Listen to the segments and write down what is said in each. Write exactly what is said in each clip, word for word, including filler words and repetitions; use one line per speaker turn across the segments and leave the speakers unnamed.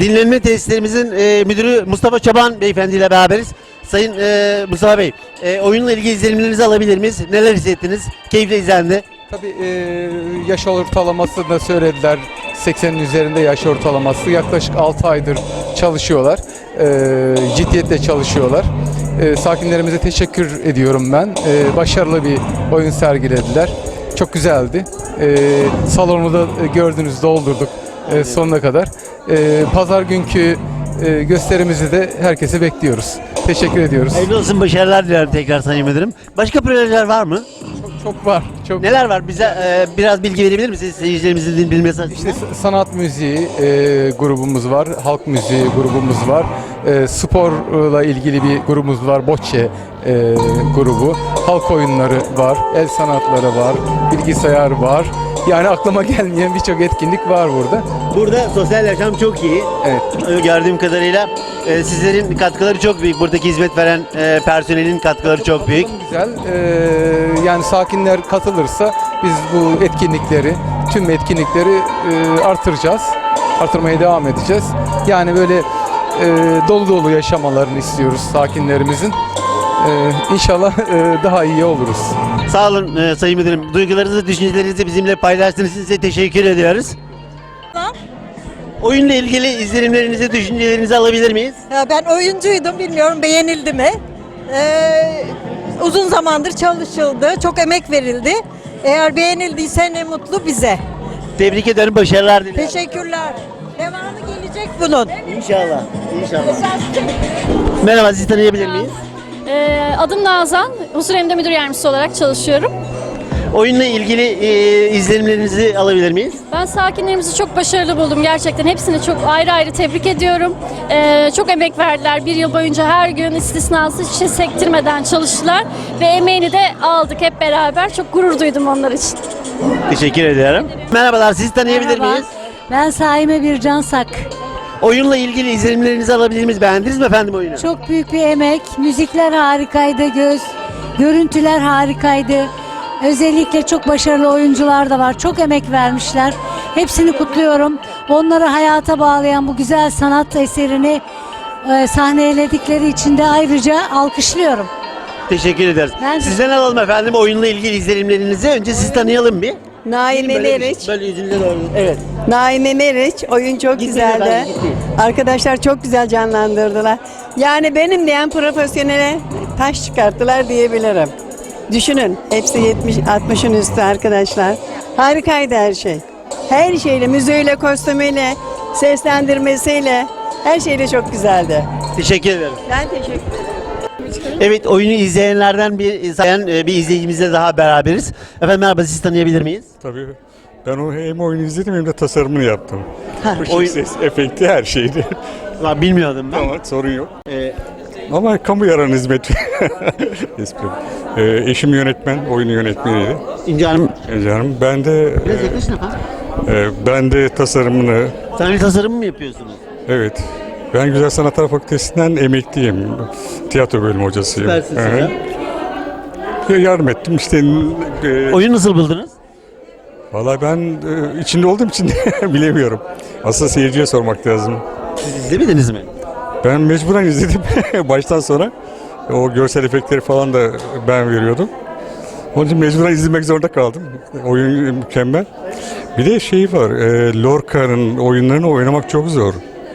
Dinlenme tesislerimizin e, müdürü Mustafa Çoban Beyefendi ile beraberiz. Sayın e, Mustafa Bey, e, oyunla ilgili izlenimlerinizi alabilir miyiz? Neler hissettiniz? Keyifle izlendi.
Tabii e, yaş ortalamasını da söylediler. seksenin üzerinde yaş ortalaması. Yaklaşık altı aydır çalışıyorlar. E, ciddiyetle çalışıyorlar. E, sakinlerimize teşekkür ediyorum ben. E, başarılı bir oyun sergilediler. Çok güzeldi. E, salonu da gördünüz, doldurduk e, sonuna kadar. E, Pazar günkü e, gösterimizi de herkese bekliyoruz. Teşekkür ediyoruz.
Hayırlı olsun, başarılar dilerim tekrar Sayın Müdürüm. Başka projeler var mı?
Çok, çok var. Çok
Neler var? Bize e, biraz bilgi verebilir misiniz seyircilerimizin bilmesi açısından?
İşte sanat müziği e, grubumuz var, halk müziği grubumuz var, e, sporla ilgili bir grubumuz var, Bocce e, grubu, halk oyunları var, el sanatları var, bilgisayar var. Yani aklıma gelmeyen birçok etkinlik var burada.
Burada sosyal yaşam çok iyi.
Evet.
Gördüğüm kadarıyla e, sizlerin katkıları çok büyük. Buradaki hizmet veren e, personelin katkıları çok büyük.
Güzel. E, yani sakinler katılırsa biz bu etkinlikleri, tüm etkinlikleri e, artıracağız. Artırmaya devam edeceğiz. Yani böyle e, dolu dolu yaşamalarını istiyoruz sakinlerimizin. E, İnşallah e, daha iyi oluruz.
Sağ olun e, Sayın Müdürüm. Duygularınızı, düşüncelerinizi bizimle paylaştığınız için size teşekkür ediyoruz. Oyunla ilgili izlenimlerinizi, düşüncelerinizi alabilir miyiz?
Ya ben oyuncuydum, bilmiyorum beğenildi mi? Ee, uzun zamandır çalışıldı, çok emek verildi. Eğer beğenildiyse ne mutlu bize.
Tebrik ederim, başarılar dilerim.
Teşekkürler. Devamı gelecek bunun.
İnşallah, inşallah. Merhaba, sizi tanıyabilir miyiz?
Ee, adım Nazan, Huzur Emniyet Müdür Yardımcısı olarak çalışıyorum.
Oyunla ilgili e, izlenimlerinizi alabilir miyiz?
Ben sakinlerimizi çok başarılı buldum gerçekten. Hepsini çok ayrı ayrı tebrik ediyorum. Ee, çok emek verdiler. Bir yıl boyunca her gün istisnasız hiç sektirmeden çalıştılar. Ve emeğini de aldık hep beraber. Çok gurur duydum onlar için.
Teşekkür ediyorum. Merhabalar, sizi tanıyabilir
Merhaba.
miyiz?
Ben Saime Bircan Sak.
Oyunla ilgili izlenimlerinizi alabilir miyiz? Beğendiniz mi efendim oyunu?
Çok büyük bir emek. Müzikler harikaydı, göz, görüntüler harikaydı. Özellikle çok başarılı oyuncular da var. Çok emek vermişler. Hepsini kutluyorum. Onları hayata bağlayan bu güzel sanat eserini e, sahneledikleri için de ayrıca alkışlıyorum.
Teşekkür ederiz.
Ben de-
Sizden alalım efendim oyunla ilgili izlenimlerinizi. Önce sizi tanıyalım bir.
Naime
Böyle-
Meriç.
Böyle yüzünüze doğru. Evet.
Naime Meriç. Oyun çok
Gitmeyin
güzeldi.
efendim, gitmeyin.
Arkadaşlar çok güzel canlandırdılar. Yani benim diyen profesyonele taş çıkarttılar diyebilirim. Düşünün. Hepsi yetmiş altmışın üstü arkadaşlar. Harikaydı her şey. Her şeyle, müziğiyle, kostümüyle, seslendirmesiyle, her şeyle çok güzeldi.
Teşekkür ederim.
Ben teşekkür ederim.
Evet, oyunu izleyenlerden bir sayan e, bir izleyicimizle daha beraberiz. Efendim merhaba, sizi tanıyabilir miyiz?
Tabii ben o hem oyunu izledim hem de tasarımını yaptım. Işık,
oyun-
ses, efekti her şeydi.
Ulan bilmiyordum ben.
Ama sorun yok.
Ee,
Ama kamu yararına hizmet. Espri. Ee, eşim yönetmen, oyunu yönetmeniydi.
İnce Hanım,
E canım, ben de
biraz yaklaşın efendim.
e, ben de tasarımını,
Sahne tasarımı mı yapıyorsunuz?
evet. Ben Güzel Sanatlar Fakültesinden emekliyim. Tiyatro bölümü hocasıyım.
Süpersiniz
Hı hı.
hocam.
Ya yardım ettim işte. E,
Oyunu nasıl buldunuz?
Vallahi ben e, içinde olduğum için bilemiyorum. Aslında seyirciye sormak lazım.
Siz izlemediniz mi?
Ben mecburen izledim baştan sona. O görsel efektleri falan da ben veriyordum. Onun için mecburen izlemek zorunda kaldım. Oyun mükemmel. Bir de şey var, e, Lorca'nın oyunlarını oynamak çok zor.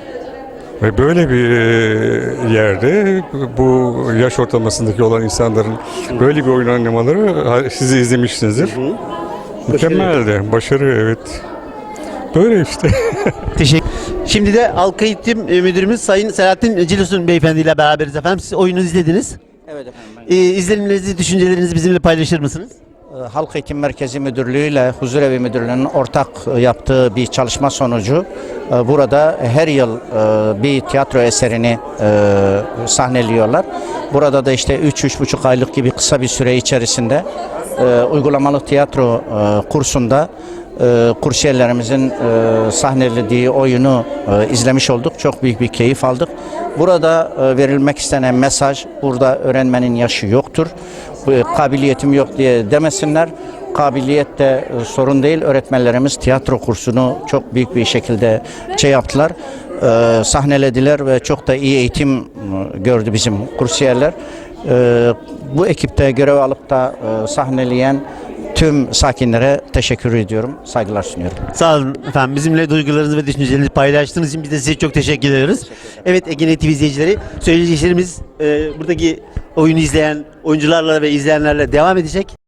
Ve böyle bir e, yerde bu yaş ortalamasındaki olan insanların böyle bir oyun oynamaları ha, siz de izlemişsinizdir. Mükemmeldi. Başarı, evet. Böyle işte.
Teşekkür. Şimdi de Halk Eğitim e, Müdürümüz Sayın Selahattin Cilusun Beyefendi ile beraberiz efendim. Siz oyunu izlediniz.
Evet efendim. Ben,
Ee, izlenimlerinizi, düşüncelerinizi bizimle paylaşır mısınız?
e, Halk Eğitim Merkezi Müdürlüğü ile Huzurevi Müdürlüğü'nün ortak e, yaptığı bir çalışma sonucu e, burada her yıl e, bir tiyatro eserini e, sahneliyorlar. Burada da işte üç üç buçuk aylık gibi kısa bir süre içerisinde e, uygulamalı tiyatro e, kursunda e, kursiyerlerimizin e, sahnelediği oyunu e, izlemiş olduk. Çok büyük bir keyif aldık. Burada e, verilmek istenen mesaj, burada öğrenmenin yaşı yoktur. Bu, kabiliyetim yok diye demesinler. Kabiliyet de e, sorun değil. Öğretmenlerimiz tiyatro kursunu çok büyük bir şekilde şey yaptılar. e, sahnelediler ve çok da iyi eğitim e, gördü bizim kursiyerler. E, bu ekipte görev alıp da e, sahneleyen tüm sakinlere teşekkür ediyorum, saygılar sunuyorum.
Sağ olun efendim. Bizimle duygularınızı ve düşüncelerinizi paylaştığınız için biz de size çok teşekkür ediyoruz. Evet Egenet T V izleyicileri, söyleyeceklerimiz e, buradaki oyunu izleyen oyuncularla ve izleyenlerle devam edecek.